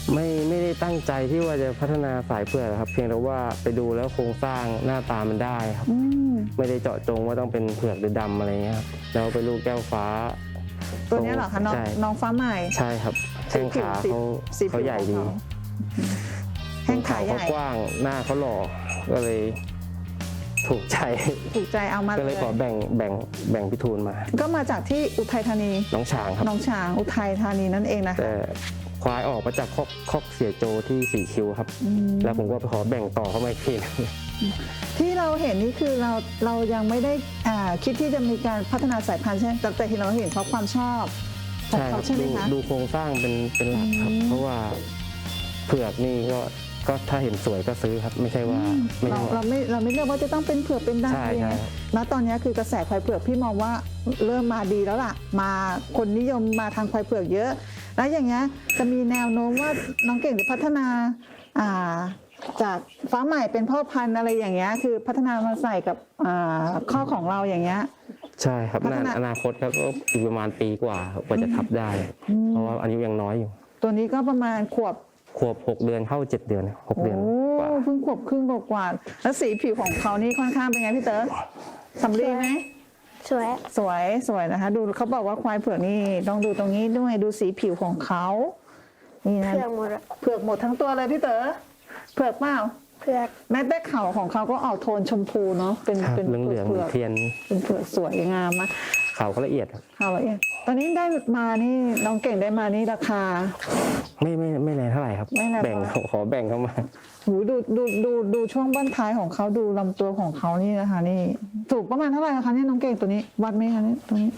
ไม่ได้ตั้งใจที่ว่าจะพัฒนาสายเผือกครับเพียงแต่ว่าไปดูแล้วโครงสร้างหน้าตามันได้ครับไม่ได้เจาะจงว่าต้องเป็นเผือกหรือดำอะไรเงี้ยครับแล้วไปลูกแก้วฟ้าตัวนี้เหรอคะน้องฟ้าใหม่ใช่ครับแข้งขาเขาใหญ่ดีแข้งขาใหญ่เขากว้างหน้าเขาหล่อก็เลยถูกใจเอามาก็เลยขอแบ่งพิทูลมาก็มาจากที่อุทัยธานีน้องฉางครับน้องฉางอุทัยธานีนั่นเองนะคะแต่ควายออกมาจากคอกเสียโจที่สีคิวครับแล้วผมก็ไปขอแบ่งต่อเข้ามาอีกทีที่เราเห็นนี่คือเรายังไม่ได้คิดที่จะมีการพัฒนาสายพันธุ์ใช่ไหมแต่ที่เราเห็นเพราะความชอบของเขาใช่ไหมคะดูโครงสร้างเป็นหลักครับเพราะว่าเผือกนี่ก็ถ้าเห็นสวยก็ซื้อครับไม่ใช่ว่าเราไม่เลือกว่าจะต้องเป็นเผือกเป็นดำอะไรเงี้ยณตอนนี้คือกระแสควายเผือกพี่มองว่าเริ่มมาดีแล้วล่ะมาคนนิยมมาทางควายเผือกเยอะแล้วอย่างเงี้ยจะมีแนวโน้มว่าน้องเก่งจะพัฒนาจากฟ้าใหม่เป็นพ่อพันธุ์อะไรอย่างเงี้ยคือพัฒนามาใส่กับข้อของเราอย่างเงี้ยใช่ครับอนาคตครับก็อีกประมาณปีกว่าจะทับได้เพราะว่าอายุยังน้อยอยู่ตัวนี้ก็ประมาณขวบ 6 เดือนเข้า7 เดือน6 เดือนกว่าเพิ่งขวบครึ่งกว่าแล้วสีผิวของเขานี่ค่อนข้างเป็นไงพี่เต๋อสำลีไหมสวยนะคะดูเขาบอกว่าควายเผือกนี่ต้องดูตรงนี้ด้วยดูสีผิวของเขานี่นะเผือกหมดทั้งตัวเลยพี่เต๋อเผือกเปล่าเผือกแม้แต่เขาของเขาก็ออกโทนชมพูเนาะเป็นเหลืองเทียนเป็นเผือกสวยงามมากเขาก็ละเอียดเขาละเอียดตอนนี้ได้มานี่น้องเก่งได้มานี่ราคาไม่แรงเท่าไหร่ครับแบ่งขอแบ่งเข้ามาหูดูช่วงบั้นท้ายของเขาดูลำตัวของเขานี่นะคะนี่สูงประมาณเท่าไหร่คะเนี่ยน้องเก่งตัวนี้วัดไหมคะเนี่ยตัวนี้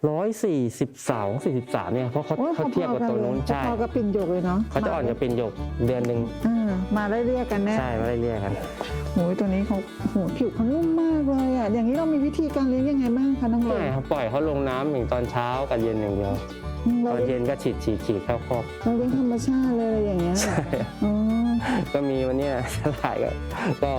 142-43เนี่ยเพราะเขาเทียบกับตัวนู้นใช่พอกับปิ่นหยกเลยเนาะเขาจะอ่อนกับปิ่นหยกเดือนนึงมาได้เรียกกันแน่ใช่มาได้เรียกกันโหตัวนี้เขาผิวเขานุ่มมากเลยอ่ะอย่างนี้เรามีวิธีการเลี้ยงยังไงบ้างคะน้องเก่งไม่ครับปล่อยเขาลงน้ำอย่างตอนเช้ากับเย็นอย่างเดียวตอนเย็นก็ฉีดเข้าคอกเราเลี้ยงธรรมชาติเลยอย่างเงี้ยก็มีวันนี้ฉลาดก็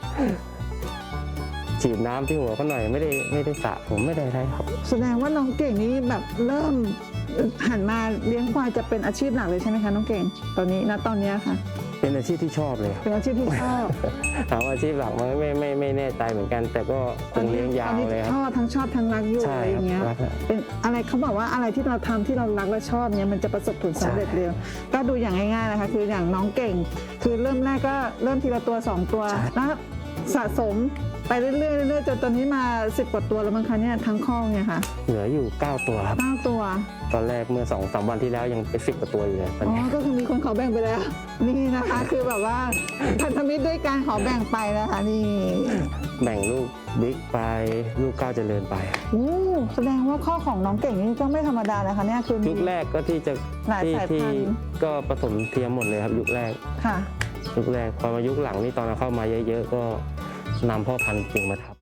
ฉีดน้ำที่หัวเขาหน่อยไม่ได้สระผมไม่ได้อะไรครับแสดงว่าน้องเก่งนี้แบบเริ่มหันมาเลี้ยงควายจะเป็นอาชีพหลักเลยใช่ไหมคะน้องเก่งตอนนี้ค่ะเป็นอาชีพที่ชอบเลยเป็นอาชีพที่ชอบถามอาชีพหลักมันไม่แน่ใจเหมือนกันแต่ก็คงเลี้ยงยาวเลยครับชอบทั้งรักอยู่อะไรอย่างเงี้ยเป็นอะไรเขาบอกว่าอะไรที่เราทำที่เรารักและชอบเนี้ยมันจะประสบผลสำเร็จเร็วก็ดูอย่างง่ายๆนะคะคืออย่างน้องเก่งคือเริ่มแรกก็เริ่มทีละตัว2ตัวแล้วสะสมไปเรื่อยๆจนตอนนี้มา10 กว่าตัวแล้วมั้งคะเนี่ยทั้งข้อเนี่ยค่ะเหลืออยู่9 ตัวครับ 9 ตัวตอนแรกเมื่อ 2-3 วันที่แล้วยังเป็น10 กว่าตัวอยู่เลยก็คือมีคนขอแบ่งไปแล้วนี่นะคะคือแบบว่าพันธมิตรด้วยการขอแบ่งไปนะคะนี่แบ่งลูกบิ๊กไปลูกก้าวเจริญไปแสดงว่าข้อของน้องเก่งนี่ก็ไม่ธรรมดานะคะเนี่ยคือยุคแรกก็ที่ก็ผสมเทียมหมดเลยครับยุคแรกค่ะยุคแรกพอมายุคหลังนี่ตอนเราเข้ามาเยอะๆก็นำพ่อพันธุ์จริงมาทับ